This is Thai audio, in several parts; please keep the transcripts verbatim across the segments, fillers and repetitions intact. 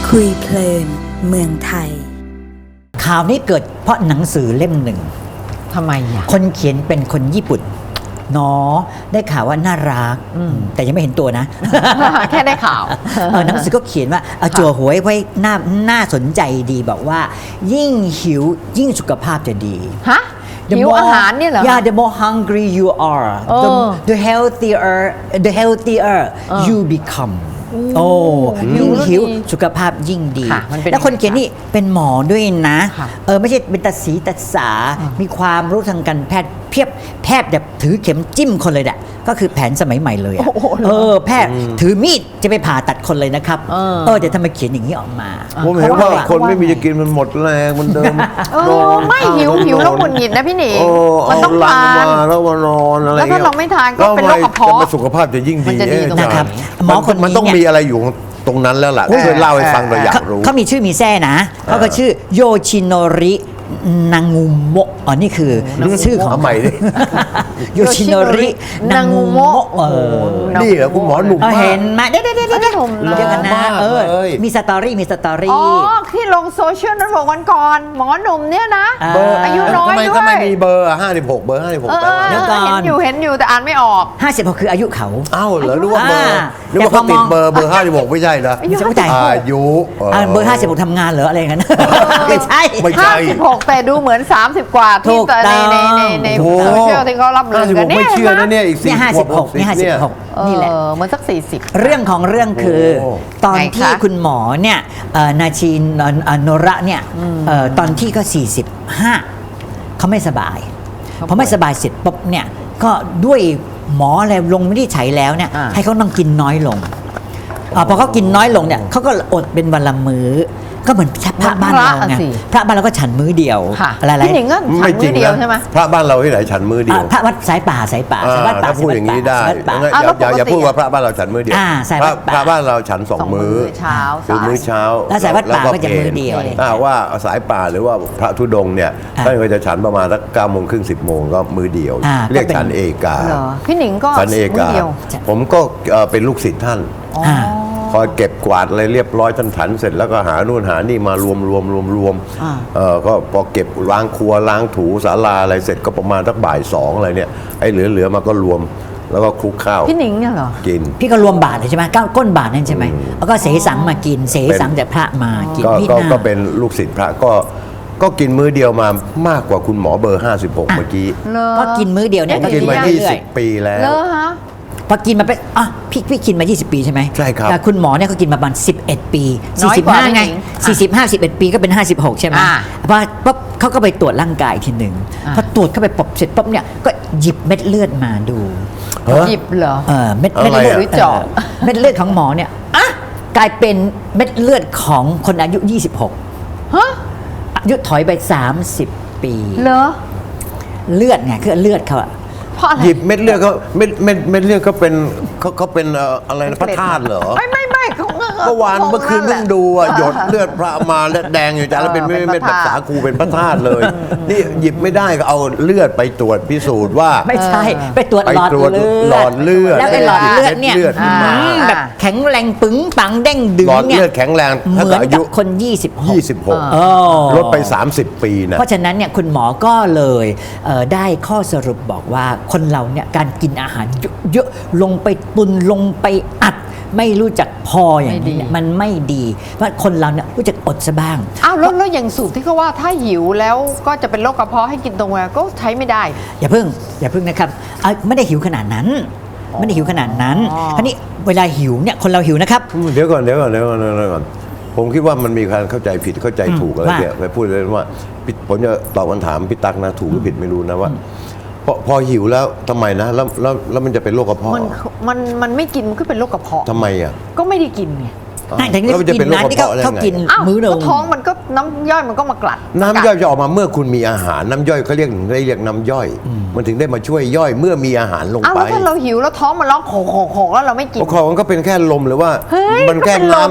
คุยเพลินเมืองไทยข่าวนี้เกิดเพราะหนังสือเล่มหนึ่งทำไมอ่ะคนเขียนเป็นคนญี่ปุ่นเนาะได้ข่าวว่าน่ารักแต่ยังไม่เห็นตัวนะแค่ได้ข่าวเออหนังสือก็เขียนว่าจั่วหวยไว้น่าน่าสนใจดีบอกว่ายิ่งหิวยิ่งสุขภาพจะดีฮะหิวอาหารเนี่ยเหรอ Yeah the more hungry you are the the healthier the healthier you become โอ้ยิ่งหิวสุขภาพยิ่งดีแล้วคนเขียนนี่เป็นหมอด้วยนะเออไม่ใช่เป็นตาสีตาสามีความรู้ทางการแพทย์เพียบแพทย์แบบถือเข็มจิ้มคนเลยแหละก็คือแผนสมัยใหม่เลยอะเออแพทย์ถือมีดจะไปผ่าตัดคนเลยนะครับเออแต่ทำไมเขียนอย่างนี้ออกมาผมเห็นว่าคนไม่มีจะกินมันหมดแรงมันเดิมเออไม่หิวหิวแล้วหงุดหงิดนะพี่หนิงมันต้องทานแล้วมานอนอะไรแล้วถ้าเราไม่ทานก็เป็นโรคกระเพาะสุขภาพจะยิ่งดีนะครับหมอคนนี้มันต้องมีอะไรอยู่ตรงนั้นแล้วล่ะช่วยเล่าให้ฟังเราอยากรู้เขามีชื่อมีแท้นะเขาก็ชื่อโยชิโนรินางงูโมะอ๋อนี่คือชื่อของใหม่ดิโยชิโนรินางงูโมะเออนี่เหรอคุณหมอหนุ่มเห็นไหมเด้เด้เด้เด้เดียวกันนะเออมีสตอรี่มีสตอรี่อ๋อที่ลงโซเชียลนั้นบอกวันก่อนหมอหนุ่มเนี่ยนะอายุน้อยด้วยทำไมมีเบอร์ห้าสิบหกเบอร์ห้าสิบหกแปลว่าเห็นอยู่เห็นอยู่แต่อ่านไม่ออกห้าสิบหกคืออายุเขาอ้าวเหรอรู้ว่าเบอร์รู้ว่าเขาติดเบอร์เบอร์ห้าสิบหกไม่ใช่นะอายุอายุเบอร์ห้าสิบหกทำงานเหรออะไรกันไม่ใช่ห้าสิบหกแต่ดูเหมือนสามสิบกว่าที่ในในในในโซเชียลที่เขารับเรื่องกันเนี่ยไม่เชื่อนะเนี่ยอีกสี่ห้าสิบหกนี่ห้าสิบหกนี่แหละเหมือนสักสี่สิบเรื่องของเรื่องคือตอนที่คุณหมอเนี่ยนาชินโนระเนี่ยตอนที่ก็สี่สิบห้าเขาไม่สบายพอไม่สบายเสร็จปุ๊บเนี่ยก็ด้วยหมออะไรลงไม่ได้ใช้แล้วเนี่ยให้เขาต้องกินน้อยลงพอเขากินน้อยลงเนี่ยเขาก็อดเป็นวันละมื้อก็เหมือนพระบ้านเราไงพระบ้านเราก็ฉันมื้อเดียวอะไรๆพี่หนิงก็ฉันมื้อเดียวใช่ไหมพระบ้านเราที่ไหนฉันมื้อเดียวพระวัดสายป่าสายป่าสายป่าถ้าพูดอย่างนี้ได้อย่าพูดว่าพระบ้านเราฉันมื้อเดียวพระบ้านเราฉันสองมื้อเช้าคือมื้อเช้าแล้วสายวัดป่าก็จะมื้อเดียวถ้าว่าสายป่าหรือว่าพระธุดงค์เนี่ยท่านก็จะฉันประมาณสักเก้าโมงครึ่งสิบโมงก็มื้อเดียวเรียกฉันเอกาพี่หนิงก็ฉันเอกาผมก็เป็นลูกศิษย์ท่านคอยเก็บกวาดอะไรเรียบร้อยท่านฉันเสร็จแล้วก็หานู่นหานี่มารวมรวมรวมรวมเออก็พอเก็บล้างครัวล้างถูศาลาอะไรเสร็จก็ประมาณสักบ่ายสองอะไรเนี่ยไอ้เหลือเหลือมาก็รวมแล้วก็คลุกข้าวพี่หนิงเนี่ยเหรอกินพี่ก็รวมบาทเลยใช่ไหมก้นบาทนั่นใช่ไหมแล้วก็เสสังมากินเสสังจากพระมากินพี่ก็เป็นลูกศิษย์พระก็ก็กินมื้อเดียวมามากกว่าคุณหมอเบอร์ห้าสิบหกเมื่อกี้ก็กินมื้อเดียวเนี่ยก็กินมายี่สิบปีแล้วพอกินมาเป็นอ่ะพี่พี่กินมายี่สิบปีใช่ไหมใช่ครับแต่คุณหมอเนี่ยเขากินมาประมาณสิบเอ็ดปีสี่สิบห้าไงสี่สิบห้า สิบเอ็ดปีก็เป็นห้าสิบหกใช่ไหมพอปุ๊บเขาก็ไปตรวจร่างกายทีหนึ่งพอตรวจเข้าไปปุ๊บเสร็จปุ๊บเนี่ยก็หยิบเม็ดเลือดมาดูหยิบเหรอเออเม็ดเม็ดเลือดเจาะเม็ดเลือดของหมอเนี่ยอ่ะกลายเป็นเม็ดเลือดของคนอายุยี่สิบหกฮะอายุถอยไปสามสิบปีเหรอเลือดไงคือเลือดเขาอะหยิบเม็ดเลือดเขาเม็ดเม็ดเม็ดเลือดเขาเป็นเขาเขาเป็นอะไรนะพระธาตุเหรอไม่ไม่ไม่เขาเมื่อวานเมื่อคืนเพิ่งดูอ่ะหยดเลือดพระมาแล้วแดงอยู่จ้าแล้วเป็นเม็ดแบบสาคูเป็นพระธาตุเลยนี่หยิบไม่ได้ก็เอาเลือดไปตรวจพิสูจน์ว่าไม่ใช่ไปตรวจหลอดเลือดหลอดเลือดแล้วไอ้หลอดเลือดเนี่ยแบบแข็งแรงปึ๋งปังเด้งดึงเนี่ยหลอดเลือดแข็งแรงเหมือนกับคนยี่สิบหกยี่สิบหกลดไปสามสิบปีนะเพราะฉะนั้นเนี่ยคุณหมอก็เลยได้ข้อสรุปบอกว่าคนเราเนี่ยการกินอาหารเยอะๆลงไปตุนลงไปอัดไม่รู้จักพออย่างนี้มันไม่ดีเพราะคนเราเนี่ยรู้จักอดซะบ้างอ้าวแล้วแล้วอย่างสูตรที่เขาว่าถ้าหิวแล้วก็จะเป็นโรคกระเพาะให้กินตรงเวลาก็ใช้ไม่ได้อย่าเพิ่งอย่าเพิ่งนะครับไม่ได้หิวขนาดนั้นไม่ได้หิวขนาดนั้นคราวนี้เวลาหิวเนี่ยคนเราหิวนะครับเดี๋ยวก่อนเดี๋ยวก่อนเดี๋ยวก่อนเดี๋ยวก่อนผมคิดว่ามันมีการเข้าใจผิดเข้าใจถูกอะไรเนี่ยไปพูดเลยว่าผมจะตอบคำถามพี่ตั๊กนะถูกหรือผิดไม่รู้นะว่าพอพอหิวแล้วทำไมนะแล้วแล้วแล้วมันจะเป็นโรคกระเพาะมันมันมันไม่กินมันก็เป็นโรคกระเพาะทำไมอ่ะก็ไม่ได้กินไงแล้วจะเป็นโรคกระเพาะเขากินมื้อนึงท้องมันก็น้ำย่อยมันก็มากลัดน้ำย่อยจะออกมาเมื่อคุณมีอาหารน้ำย่อยเขาเรียกได้เรียกน้ำย่อยมันถึงได้มาช่วยย่อยเมื่อมีอาหารลงไปอ้าวถ้าเราหิวแล้วท้องมันร้องโขกโขกแล้วเราไม่กินโขกมันก็เป็นแค่ลมหรือว่ามันแค่น้ำ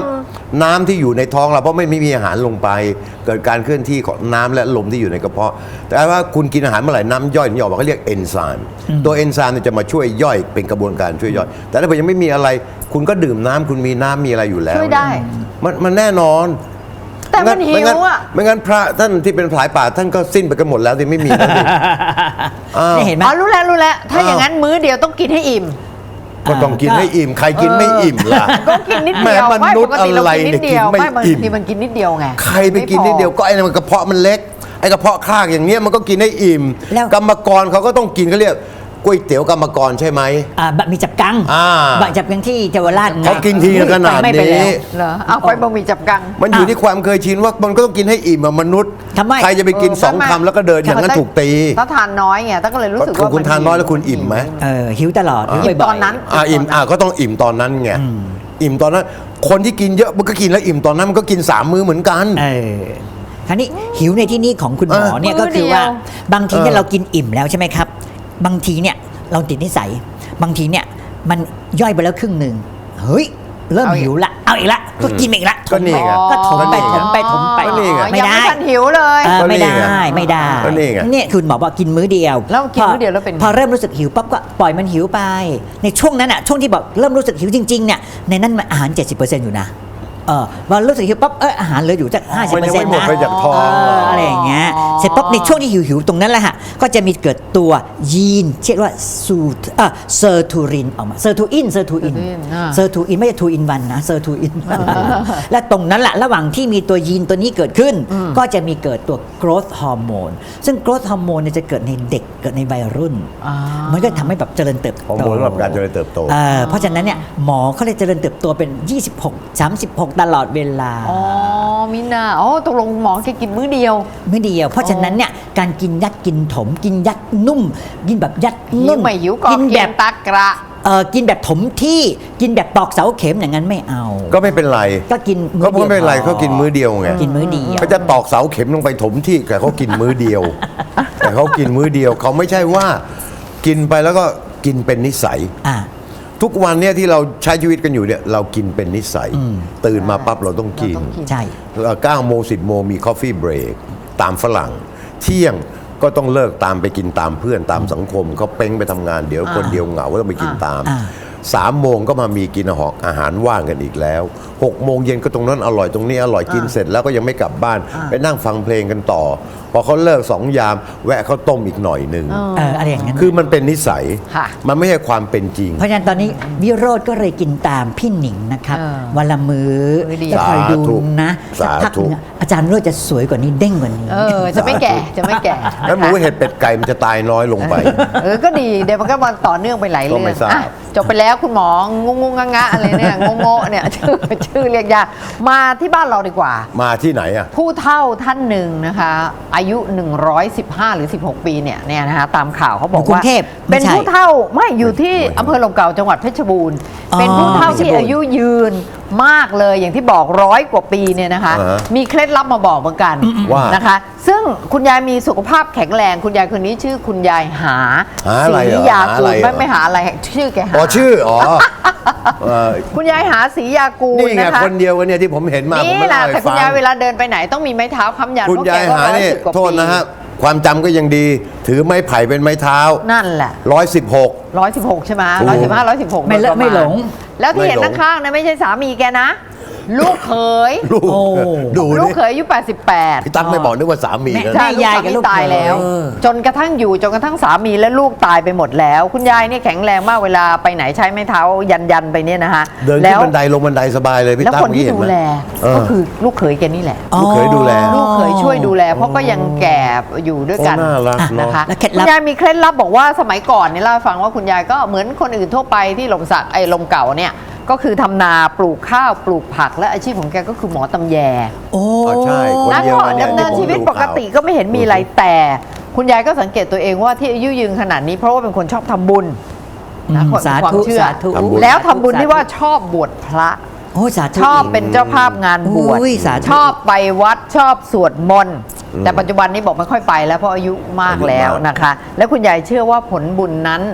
น้ำที่อยู่ในท้องเราเพราะไม่ไม่มีอาหารลงไป เกิดการเคลื่อนที่ของน้ำและลมที่อยู่ในกระเพาะ แต่ว่าคุณกินอาหารเมื่อไหร่น้ำย่อยนี่ออกมาเขาเรียกเอนไซม์ตัวเอนไซม์เนี่ยจะมาช่วยย่อยเป็นกระบวนการช่วยย่อย แต่ถ้าเกิดยังไม่มีอะไร คุณก็ดื่มน้ำคุณมีน้ำมีอะไรอยู่แล้วช่วยได้มันมันแน่นอนแต่มันหิไม่งั้วอ่ะไม่งั้นพระท่านที่เป็นผลายป่าท่านก็สิ้นไปกันหมดแล้วที่ไม่มีแล้วสิ อ้าวนี่เห็นไหมอ๋อรู้แล้วรู้แล้วถ้าอย่างนั้นมื้อเดียวต้องกินให้อิ่มก็ต้องกินให้อิ่มใครกินไม่อิ่มล่ะก็กินนิดเดียวแหมมนุษย์ปกติเรากินนิดเดียวอะไรเนี่ยกินไม่ไม่บางอิ่มทีมันกินนิดเดียวไงใครไปกินนิดเดียวก็ไอ้นั่นมันกระเพาะมันเล็กไอ้กระเพาะคลากอย่างเนี้ยมันก็กินให้อิ่มแล้วกรรมกรเขาก็ต้องกินเขาเรียกก๋วยเตี๋ยวกรรมกรใช่ไหมอ่าบะหมี่จับกังอ่าบะจับกังที่เยาวราชเขากินทีขนาดไม่ไปแล้วนี้เหรอเอาไปบะหมี่จับกังมันอยู่ที่ความเคยชินว่ามันก็ต้องกินให้อิ่มอะมนุษย์ทำไมใครจะไปกินเออสองทำไมคำแล้วก็เดินอย่างนั้นถูกตีถ้าทานน้อยไงตั้งก็เลยรู้สึกว่าคุณทานน้อยแล้วคุณอิ่มไหมเออหิวตลอดหิวอิ่มบ่ตออย นนั้นอ่าอิ่มอ่าก็ต้องอิ่มตอนนั้นไงอิ่มตอนนั้น คนที่กินเยอะมันก็กินแล้วอิ่มตอนนั้นมันก็กินสามมื้อเหมือนกันๆเออคราวนี้หิวในที่นี้ของคุณหมอเออเนี่ยมื้ก็อคือเดียวว่าบางทีเนี่ยเออเรากินอิ่มแล้วใช่ไหมครับ บางทีเนี่ยเราติดนิสัย บางทีเนี่ยมันย่อยไปแล้วครึ่งหนึ่งเฮ้ยเริ่มเอาอีกหิวละเอาอีกละก็กินอีกละก็นี่ไงก็ถมไปก็นี่ถมไปถมไปก็นี่ไงอ๋อไม่ยังได้ไม่ทันหิวเลยเออก็นี่ไม่ได้ไงไม่ได้ก็นี่ไงเนี่ยคุณหมอบอกกินมื้อเดียวแล้วกินมื้อเดียวแล้วเป็นไงพอเริ่มรู้สึกหิวปั๊บก็ปล่อยมันหิวไป ในช่วงนั้นอ่ะช่วงที่บอกเริ่มรู้สึกหิวจริงๆเนี่ยในนั้นมันอาหาร เจ็ดสิบเปอร์เซ็นต์ อยู่นะเออพอรู้สึกหิวปั๊บเอออาหารเหลืออยู่สักห้าสิบมันเปอยัร์งเซ็นไม่ต์หมดนะไปจากท้องเอออะไรอย่างเงี้ยเสร็จปั๊บในช่วงที่หิวๆตรงนั้นแหละฮะก็จะมีเกิดตัวยีนเรียกว่าซูอ่ะเซอร์ทูรินออกมาเซอร์ทูอินเซอร์ทูอิน Sirtuin อ่าเซอร์ทูอินไม่ใช่ทูอินวันนะเซอร์ทูอินและตรงนั้นแหละระหว่างที่มีตัวยีนตัวนี้เกิดขึ้น ก็จะมีเกิดตัว growth hormone ซึ่ง growth hormone เนี่ยจะเกิดในเด็กเกิดในวัยรุ่นอ่ามัมันก็ทำให้แบบเจริญเติบโตฮอร์โมนสำหรับการเจริญเติบโตเอ่อเพราะฉะนั้นเนี่ยหมอเขาเลยเจริญเติบโตเป็น ยี่สิบหก สามสิบหก ตลอดเวลาอ๋อมิน่าอ๋อตกลงหมอแค่กินมื้อเดียวไม่เดียว เพราะฉะนั้นเนี่ยการกินยัดกินถม กินยัดนุ่ม กินแบบยัดหินุ่วมไม่หิวก็กินกิแบนบตะกระเออกินแบบถมที่กินแบบตอกเสาเข็มอย่างนั้นไม่เอาก็ไม่เป็นไรก็กินก็มื้อเดียวไม่เป็นไรเขากินมื้อเดียวไงกินมื้อเดียวเขาจะตอกเสาเข็มลงไปถมที่แต่เขากินมื้อเดียว แต่เขากินมื้อเดียวเขาไม่ใช่ว่า กินไปแล้วก็กินเป็นนิสัยอ่าทุกวันเนี่ยที่เราใช้ชีวิตกันอยู่เนี่ยเรากินเป็นนิสัย ตื่นมาปั๊บเราต้องกินเราต้องกินใช่เก้าโมงสิบโมงมี coffee break ตามฝรั่ง เที่ยงก็ต้องเลิกตามไปกินตามเพื่อนตามสังคมเขาเป้งไปทำงานเดี๋ยวคนเดียวเหงาก็ต้องไปกินตามอ่าสามโมงก็มามีกินอาหารอาหารว่างกันอีกแล้วหกโมงเย็นก็ตรงนั้นอร่อยตรงนี้อร่อยกินเสร็จแล้วก็ยังไม่กลับบ้าน ไปนั่งฟังเพลงกันต่อ พอเขาเลิกสองยาม แวะข้าวต้มอีกหน่อยหนึ่งเอออะไรอย่างนั้นคือมันเป็นนิสัยค่ะมันไม่ใช่ความเป็นจริงเพราะฉะนั้นตอนนี้วิโรธก็เลยกินตามพี่หนิงนะครับเออวันละมือ้อมื้อเดียวจะคอยดูสาธุนะสักพักหนึงสาธุอาจารย์วิโรธจะสวยกว่านี้เด้งกว่านี้เออจะไม่แก่จะไม่แก่แล้วหมูเห็ดเป็ดไก่มันจะตายน้อยลงไปเออก็ดีเดี๋ยวมันก็มันต่อเนื่องไปหลายก็เรื่อไม่งทราบอ่ะจบไปแล้วคุณหมองงงงงะอะไรเนี่ยงงงเนี่ย ชื่อชื่อเรียกยากมาที่บ้านเราดีกว่ามาที่ไหนอ่ะผู้เฒ่าท่านหนึ่งนะคะ อายุ หนึ่งร้อยสิบห้า หรือ สิบหก ปีเนี่ยเนี่ยนะคะตามข่าวเขาบอกอยู่กรุว่างเทพไม่เป็นใช่ผู้เฒ่าไม่อยู่ที่อำเภอลมเก่าจังหวัดเพชรบูรณ์อ๋อเป็นผู้เฒ่าที่เพชรบูรณ์อายุยืนมากเลยอย่างที่บอกร้อยกว่าปีเนี่ยนะคะอ่าฮะมีเคล็ดลับมาบอกเหมือนกันว่านะคะ ซึ่งคุณยายมีสุขภาพแข็งแรง คุณยายคนนี้ชื่อคุณยายหาหาอะไรเหรอศรียาหากูอะไรลเหรอไม่ไม่หาอะไรชื่อแกหาอ๋อชื่ออ๋อเอ่อคุณยายหาศรียากูลนี่ไงนะคะคนเดียวกันเนี่ยที่ผมเห็นมาผมนี่ไม่แหละเล่าแต่ให้คุณฟังยายเวลาเดินไปไหนต้องมีไม้เท้าค้ำยันคุณเพราะยายแกก็หาร้อยนี่สิบกว่าโทษปีนะฮะความจำก็ยังดี ถือไม้ไผ่เป็นไม้เท้านั่นแหละร้อยสิบหกร้อยสิบหกใช่ไหมถูกร้อยสิบห้าร้อยสิบหกไม่เลอะไม่หลงแล้วที่เห็นไม่หลงข้างๆนะไม่ใช่สามีแกนะ ลูกเขยลูกโอ้ดูลูกนี่เขยอายุแปดสิบแปดพี่ตั๊กไม่บอกนึกว่าสามีแม่นะใช่ยายกับลูกตายแล้วเขยจนกระทั่งอยู่จนกระทั่งสามีและลูกตายไปหมดแล้ว คุณยายเนี่ยแข็งแรงมากเวลาไปไหนใช้ไม้เท้ายันยันๆไปเนี่ยนะคะเดินแล้ขึ้นวบันไดลงบันไดสบายเลยพี่แล้วตั๊กคนที่เห็ดูไหมแลเออก็คือลูกเขยแกนี่แหละลูกเขยดูแลลูกเขยช่วยดูแล เพราะก็ยังแก่อยู่ด้วยกันโอ้น่ารักเนอะนะคะแล้วเคล็ดคุลัณบยายมีเคล็ดลับบอกว่าสมัยก่อนเนี่ยเล่าให้ฟังว่าคุณยายก็เหมือนคนอื่นทั่วไปที่ลมสักไอ้ลมเก่าเนี่ยก็คือทำนาปลูกข้าวปลูกผักและอาชีพของแกก็คือหมอตำแยโอ้อ๋อใช่คนแล้วเดียวก็กันเนี่ยดำเนินชีวิตปกติก็ไม่เห็นมีอะไรแต่ คุณยายก็สังเกตตัวเองว่าที่อายุยืนขนาดนี้เพราะว่าเป็นคนชอบทำบุญนะอืมคนสาธุความเชื่อสาธุแล้วทำบุญที่ว่าชอบบวชพระโอ้สาธุชอบเป็นเจ้าภาพงานบวชอุ้ยสาธุชอบไปวัดชอบสวดมนต์แต่ปัจจุบันนี้บอกไม่ค่อยไปแล้วเพราะอายุมากแล้วนะคะ และคุณยายเชื่อว่าผลบุญนั้น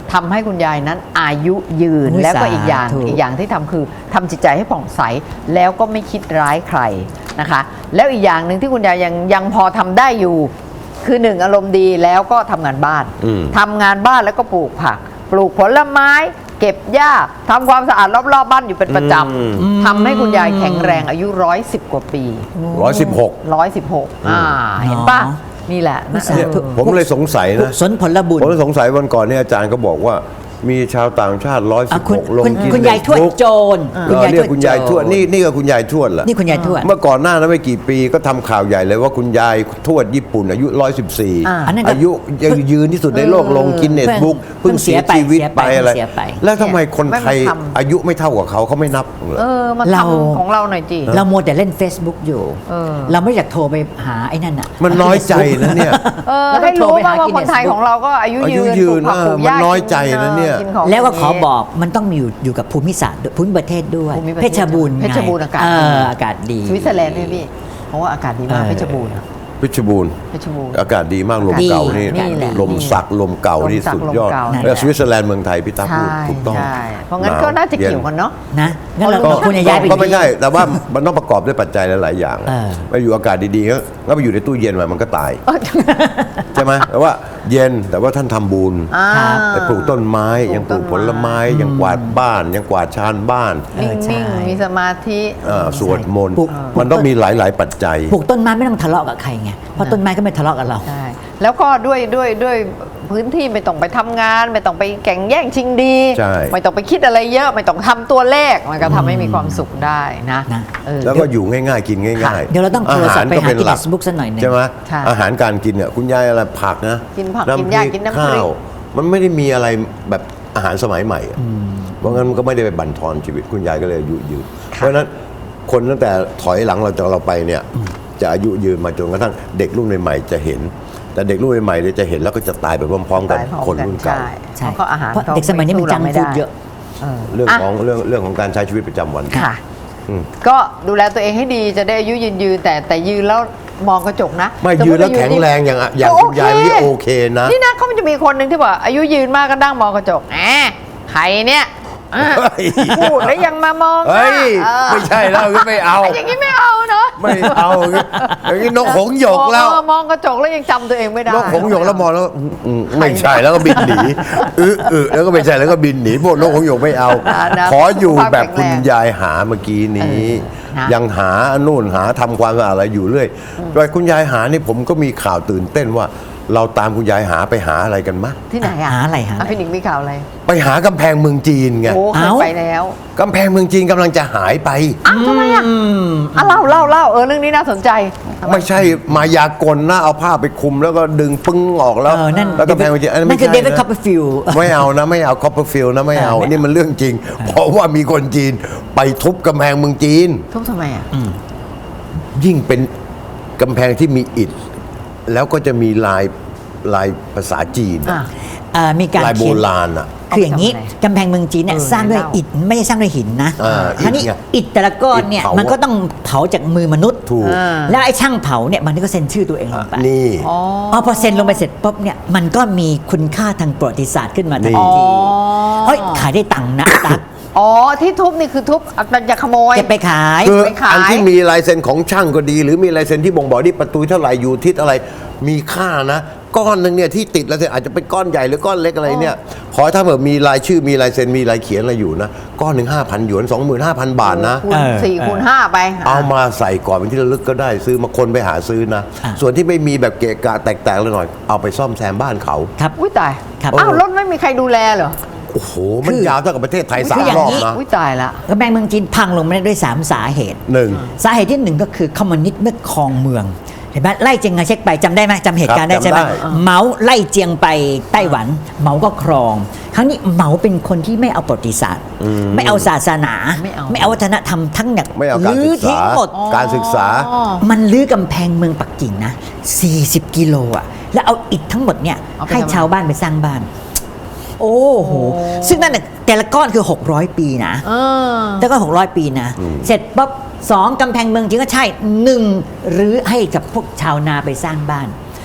ทำให้คุณยายนั้นอายุยืนอุ๊ยแล้วก็อีกอย่างสาธุอีกอย่างที่ทำคือทำจิตใจให้ผ่องใสแล้วก็ไม่คิดร้ายใครนะคะ แล้วอีกอย่างหนึ่งที่คุณยายยังยังพอทำได้อยู่ คือหนึ่งอารมณ์ดีแล้วก็ทำงานบ้านอืมทำงานบ้านแล้วก็ปลูกผัก ปลูกผลไม้ เก็บหญ้าทำความสะอาดรอบๆบ้านอยู่เป็นประจอืมำทำให้คุณยายแข็งแรงอายุร้อยสิบกว่าปีร้อยสิบหกร้อยสิบหกอ่าเห็นปะเนาะนี่แหละนะสาธุผมเลยสงสัยกุนะศลผลบุญผมเลยสงสัยวันก่อนเนี่ยอาจารย์ก็บอกว่ามีชาวต่างชาติร้อยอ่ะสิบคุหณกลงคุณกินคุณยายทวดโจรเออเรียกคุณยายทวดนี่นี่ก็คุณยายทวดแหละนี่คุณยายทวดเมื่อก่อนหน้านั้นไม่กี่ปีก็ทำข่าวใหญ่เลยว่าคุณยายทวดญี่ปุ่นอายุร้อยสิบสี่อ่าอันนั้นก็อายุยังยืนที่สุดในโลกลงกินเน็ตบุ๊กเพิ่เพิ่งงเสียเสียไปชีวิตเสียไปไปอะไรเสียไปแล้วทำไมคนไทยไม่มาทำอายุไม่เท่ากับเขาเขาไม่นับเหรอเออมาเราทำของเราหน่อยจีเรามัวแต่เล่น Facebook อยู่เออเราไม่อยากโทรไปหาไอ้นั่นอ่ะมันน้อยใจนะเนี่ยเออแล้วก็ให้รู้โทรไปบ้างหาว่า Guinness คนไทยของเราก็อายุอายุยืนยืนปลูกผักเออปลูกหญ้ามันน้อยใจนะเนี่ยกิของแล้วก็ขอพวนี้บอกมันต้องมีอยู่อยู่กับภูมิศาสตร์ด้วยภูมิประเทศด้วยภูมิประเทเพศชรบูรณ์ไงเพชรบูรณ์อากาศเอดีออากาศดีสวิตเซอร์แลนด์ด้วยพี่เพราะว่าอากาศดีมากเออเพชรบูรณ์เพชรบูรณ์เพชรบูรณ์อากาศดีมากลมดีเก่านี่นี่แหละลมสักลมเก่านี่ลมสักสุดยอดลมเก่าแล้วสวิตเซอร์แลนด์เมืองไทยพี่ตาพูดใช่ถูกต้องใช่เพราะงั้นหวก็น่าจะเกี่ยวย็กันเนาะนะงั้นเราก็เราควรจะย้ายไปก็ไม่ที่ใช่แต่ว่ามันต้องประกอบด้วยปัจจัยหลาย ๆ อย่างเออไปอยู่อากาศดีๆก็ก็ไปอยู่ในตู้เย็นมามันก็ตายใช่ไหมแต่ว่าเย็นแต่ว่าท่านทำบุญอ่าครับไปปลูกต้นไม้ปลูกยังปลูกต้นไม้ผลไม้ยังกวาดบ้าน ยังกวาดชานบ้านเออใช่นิ่งๆมีสมาธิเอ่อสวดมนต์ปลูกมันต้องมีหลาย ๆ ปัจจัยปลูกต้นไม้ไม่ต้องทะเลาะกับใครไงเพราะต้นไม้ก็ไม่ทะเลาะกับเราใช่แล้วก็ด้วยด้วยด้วยพื้นที่ไม่ต้องไปทำงาน ไม่ต้องไปแข่งแย่งชิงดีใช่ไม่ต้องไปคิดอะไรเยอะ ไม่ต้องทำตัวเลขมันก็ทำให้มีความสุขได้นะนะเออแล้วก็อยู่ง่าย ๆ กินง่าย ๆเดี๋ยวเราต้องโทรศัพท์ไปหา Guinness Book สักหน่อยหนึ่งใช่ไหมใช่อาหารการกินเนี่ยคุณยายอะไรผักนะกินผักำกินหญ้าพริกินน้ำพริกข้าวมันไม่ได้มีอะไรแบบอาหารสมัยใหม่อะเพราะงั้นมันก็ไม่ได้ไปบั่นทอนชีวิตคุณยายก็เลยอายุยืนเพราะฉะนั้นคนตั้งแต่ถอยหลังเราจากเราไปเนี่ยจะอายุยืนมาจนกระทั่งเด็กรุ่นใหม่ๆจะเห็น แต่เด็กรุ่นใหม่ๆเนี่ยจะเห็นแล้วก็จะตายไปพร้อมๆกันตายพร้อมคนรุ่นเก่าใช่ใช่เพราะอาหารเพราะเด็กสมัยนี้มันจังฟูดเยอะเออเรื่องอ่ะของเรื่องเรื่องของการใช้ชีวิตประจำวันค่ะอืมก็ดูแลตัวเองให้ดีจะได้อายุยืนยืนแต่แต่ยืนแล้วมองกระจกนะไม่สติยืนแล้วาแข็งแรงอย่างอะอย่างโคุณยายนี่โอเคนะนี่นะเขามันจะมีคนหนึ่งที่บอกอายุยืนมากก็นั่งมองกระจกแหมใครเนี่ยอ่ะเฮ้ยพูดแล้วยังมามองหน้าเฮ้ยเออไม่ใช่แล้วไม่เอาอย่างนี้ไม่เอาเนาะไม่เอาอย่างนี้นกหงส์หยกแล้วเออมองกระจกแล้วยังจำตัวเองไม่ได้นกหงส์หยกแล้วมองแล้วอืมอืมไม่ใช่แล้วก็บินหนีอึอึแล้วก็ไม่ใช่แล้วก็บินหนีพวกนกหงส์หยกไม่เอานะนะขออยู่สุขภาพแบบคุณแข็งแรงยายหาเมื่อกี้นี้เออนะยังหานู่นหาทำความสะอาดอะไรอยู่เรื่อยโดยคุณยายหานี่ผมก็มีข่าวตื่นเต้นว่า เราตามคุณยายหาไปหาอะไรกันมะที่ไหนอ่ะหาอะไรหาอะไระพี่หนิงมีข่าวอะไรไปหากำแพงเมืองจีนไงโอ้เคยเอ้าไปแล้วกำแพงเมืองจีนกำลังจะหายไปอ้าวทำไมอ่ะอ่ะเล่าเล่าเล่าเออเรื่องนี้น่าสนใจทำไมไม่ใช่มายากลนะเอาผ้าไปคลุมแล้วก็ดึงปึ้งออกแล้วเออนั่นแล้วกำแพงเมืองจีนอันนั่ไม่นคือใช่เดวิดนะคัพเปอร์ฟิลด์ไม่เอานะไม่เอาคอปเปอร์ฟิลนะไม่เอาเออไม่เอานี่มันเรื่องจริง เพราะว่ามีคนจีนไปทุบกำแพงเมืองจีนทุบทำไมอ่ะยิ่งเป็นกำแพงที่มีอิฐ แล้วก็จะมีลายลายภาษาจีนอ่ะเอ่อมีการลายโบเขียนราณอ่ะคืออย่างนี้เอาไปทำอะไรกำแพงเมืองจีนเนี่ยเออสร้างด้วยเล่าอิฐไม่ได้สร้างด้วยหินนะอ่าคราวนี้อิฐไงอิฐแต่ละก้อนเนี่ยอิฐเผามัมันก็ต้องเผาจากมือมนุษย์ถูกอ่าแล้วไอ้ช่างเผาเนี่ยมันก็เซ็นชื่อตัวเองลงไปนี่อ๋ออ๋อพอเซ็นลงไปเสร็จปุ๊บเนี่ยมันก็มีคุณค่าทางประวัติศาสตร์ขึ้นมาทันนี่ทีเฮ้ยขายได้ตังค์นะตั๊กอ๋อที่ทุบนี่คือทุบอ่ะจะขโมยเก็บไปขายคือไปขายอันที่มีลายเซ็นของช่างก็ดี หรือมีลายเซ็นที่บ่งบอกที่ประตูเท่าไหร่อยู่ทิศอะไรมีค่านะ ก้อนหนึ่งเนี่ยที่ติดลายเซ็นอาจจะเป็นก้อนใหญ่หรือก้อนเล็กอะไรเนี่ยขอถ้าแบบมีลายชื่อมีลายเซ็นมีลายเขียนอะไรอยู่นะก้อนหนึ่งห้าพันหยวนสองหมื่นห้าพันบาทนะคูณเออสี่เออคูณห้าไปเอามาใส่ก่อนเป็นที่ระลึกก็ได้ซื้อมาคนไปหาซื้อนะอ่ะส่วนที่ไม่มีแบบเกะกะแตกๆเลยหน่อย เอาไปซ่อมแซมบ้านเขาครับอุ้ยตายครับอ้าวรถไม่มีใครดูแลเหรอโอ้โห มันคือยาวเท่ากับประเทศไทยคือสามอย่างรอบนี้นะอุ้ยตายละกำแพงเมืองจีนพังลงมาได้ด้วยสามสาเหตุหนึ่งสาเหตุที่หนึ่งก็คือคอมมิวนิสต์เมื่อครองเมืองเห็นไหมไล่เจียงไคเชกไปจำได้ไหมจำเหตุการณ์ได้ครับใช่ไหมจำได้เหมาไล่เจียงไปไต้หวัน เหมาก็ครอง ครั้งนี้เหมาเป็นคนที่ไม่เอาประวัติศาสตร์ ไม่เอาศาสนาไม่เอาไม่เอาวัฒนธรรมทั้งเนี่ยไม่เอาการลื้อศึกษาทิ้งหมดการศึกษาอ๋อมันลื้อกำแพงเมืองปักกิ่งนะสี่สิบกิโลอ่ะแล้วเอาอิฐทั้งหมดเนี่ยเอาไปให้ทำอะไรชาวบ้านไปสร้างบ้าน โอ้โหซึ่งนั่นน่ะแต่ละก้อนคือหกร้อยปีนะเออแล้วก็หกร้อยปีนะ เสร็จปั๊บสองกำแพงเมืองจริงก็ใช่หนึ่งหรือให้กับพวกชาวนาไปสร้างบ้าน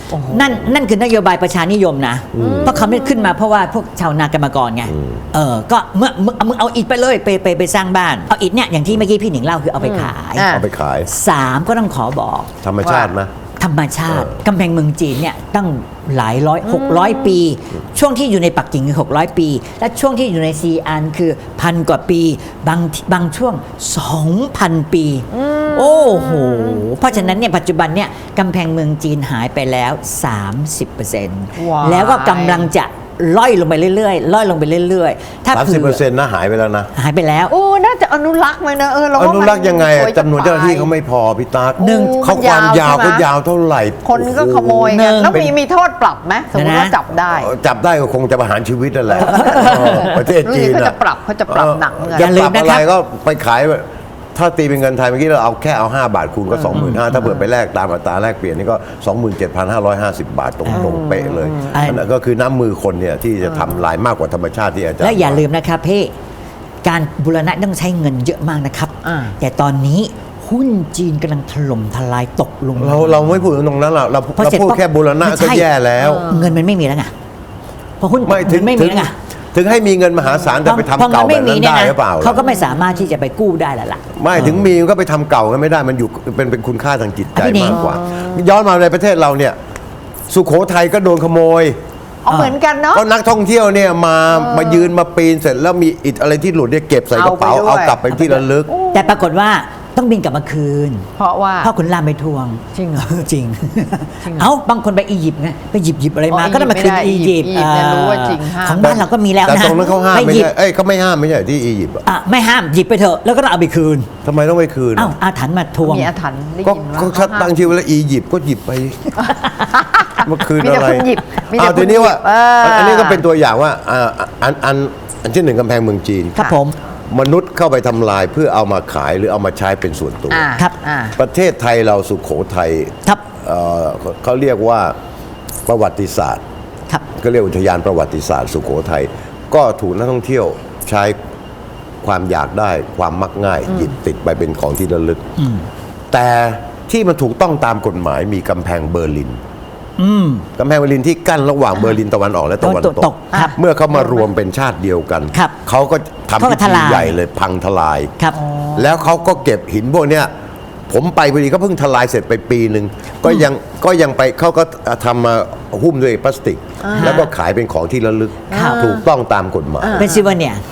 นั่นนั่นคือนโยบายประชานิยมนะ เพราะเขาไม่ขึ้นมาเพราะว่าพวกชาวนากรรมกรไงเออก็เมื่อมึงมึงเอาอิฐไปเลยไปไปไปสร้างบ้านเอาอิฐเนี่ยอย่างที่เมื่อกี้พี่หนิงเล่าคือเอาไปขายอ่ะเอาไปขายสามก็ต้องขอบอกธรรมชาติไหมธรรมชาติกำแพงเมืองจีนเนี่ยตั้งหลายร้อยหกร้อยปี ช่วงที่อยู่ในปักกิ่งคือหกร้อยปี และช่วงที่อยู่ในซีอานคือพันกว่าปี บางบางช่วง สองพัน ปี โอ้โห เพราะฉะนั้นเนี่ยปัจจุบันเนี่ยกำแพงเมืองจีนหายไปแล้ว สามสิบเปอร์เซ็นต์ว้ายแล้วก็กำลังจะล่อยลงไปเรื่อยๆล่อยลงไปเรื่อยๆถ้าสามสิบเปอร์เซ็นต์นะหายไปแล้วนะหายไปแล้วโอ้น่าจะอนุรักษ์ไหมนะเออเราอว่านุมัรักษ์ยังไงอะสยจำนวนเจ้าหน้าที่จะเขาไม่พอพี่ตาหนึ่งเขาความยาวใช่ไหก็ยาวเท่าไหร่คนก็ขโมยหนึ่กันงแล้วมีมีโทษปรับไหมสมมติว่านะจับได้จับได้ก็คงจะประหารชีวิตนั่นแหละเออประเทศจีนเขาน่จะปรับเขาจะปรับหนักเหมือนกันอย่าลืมปนะอะคไรรับก็ไปขาย ถ้าตีเป็นเงินไทยเมื่อกี้เราเอาแค่เอาห้าบาทคูณก็สองหมื่นห้าถ้าเปิดไปแลกตามอัตราแลกเปลี่ยนนี่ก็ สองหมื่นเจ็ดพันห้าร้อยห้าสิบ บาทตรงๆเป๊ะเลยอ่าอันนั้นก็คือน้ำมือคนเนี่ยที่จะทำลายมากกว่าธรรมชาติที่อาจารย์และอย่าลืมนะครับพี่การบูรณะต้องใช้เงินเยอะมากนะครับอ่าแต่ตอนนี้หุ้นจีนกำลังถล่มทลายตกลงเราเราไม่พูดถึงตรงนั้นเราเราพอเราเสร็จพูดปั๊บแค่บูรณะไม่ก็ใช่แย่แล้วเงินมันไม่มีแล้วไงพอหุ้นไม่ถึงนไม่ถึมีงแล้วไงถึงให้มีเงินมหาศาลแต่ไปทำพอเก่างิแบบไม่นั้นนี่ได้ยนะหรือเปล่าเขาก็ไม่สามารถที่จะไปกู้ได้แล้วล่ะไม่ถึงมีก็ไปทำเก่ากันไม่ได้มันอยู่เป็นเป็นคุณค่าทางจิตใจพี่หนิงมากกว่า ย้อนมาในประเทศเราเนี่ย สุโขทัยก็โดนขโมยเอาเหมือนกันเนาะก็นักท่องเที่ยวเนี่ยมามายืนมาปีนเสร็จแล้วมีอิฐอะไรที่หลุดเนี่ยเก็บใส่กระเป๋าเอาไปด้วยเอากลับไปที่ระลึกแต่ปรากฏว่าต้องบินกลับมาคืนเพราะว่าพ่อขุนรามไปทวงจริงเหรอจริงจริงเหรอเอ้าบางคนไปอียิปต์ไงไปหยิบหยิบอะไรมาอ๋อก็ต้องมาคืนอีอียิยิปปต์ต์อียิปต์เนี่ยรู้ว่าจริงห้ามของบ้านเราก็มีแล้วแต่นะตรงนั้นเขาห้ามไปไม่หยิบใช่เอ้ยเขาไม่ห้ามไม่ใช่ที่อียิปต์อะอ่ะไม่ห้ามหยิบไปเถอะแล้วก็ต้องเอาไปคืนทำไมต้องไปคืนเอ้าอาถรรพ์มาทวงมีอาถรรพ์ได้ก็ยินว่าก็เขาตั้งชื่อไว้แล้วอียิปต์ก็หยิบไปเมื่อคืนมีอะแต่ไรคนหยิบมีแต่อ้าวคนทีนี้ว่าหยิบเอออัอันนี้ก็เป็นตัวอย่างว่าอ่าอันอันอันที่หนึ่งกำแพงเมืองจีนครับผมมนุษย์เข้าไปทำลายเพื่อเอามาขายหรือเอามาใช้เป็นส่วนตัวอ่าครับอ่าประเทศไทยเราสุขโขทัยครับเอ่อเขาเรียกว่าประวัติศาสตร์ครับก็เรียกอุทยานประวัติศาสตร์สุโขทัยก็ถูกนักท่องเที่ยวใช้ความอยากได้ความมักง่าย หยิบติดไปเป็นของที่ระลึก แต่ที่มันถูกต้องตามกฎหมายมีกำแพงเบอร์ลินอืมกำแพงเบอร์ลินที่กั้นระหว่างเบอร์ลินตะวันออกและตะวันตะวันตตกกครับเมื่อเขามารวมเป็นชาติเดียวกันครับเขาก็ทำเขาก็พิทธีลายใหญ่เลยพังทลายครับแล้วเขาก็เก็บหินพวกเนี้ยผมไปพอดีก็เพิ่งทลายเสร็จไปปีหนึ่งก็ยังก็ยังไปเขาก็ทำมาหุ้มด้วยพลาสติก แล้วก็ขายเป็นของที่ระลึกครับถูกต้องตามกฎหมายเป็นซิวเนียร์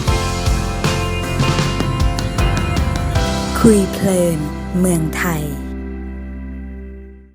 คุยเพลินเมืองไทย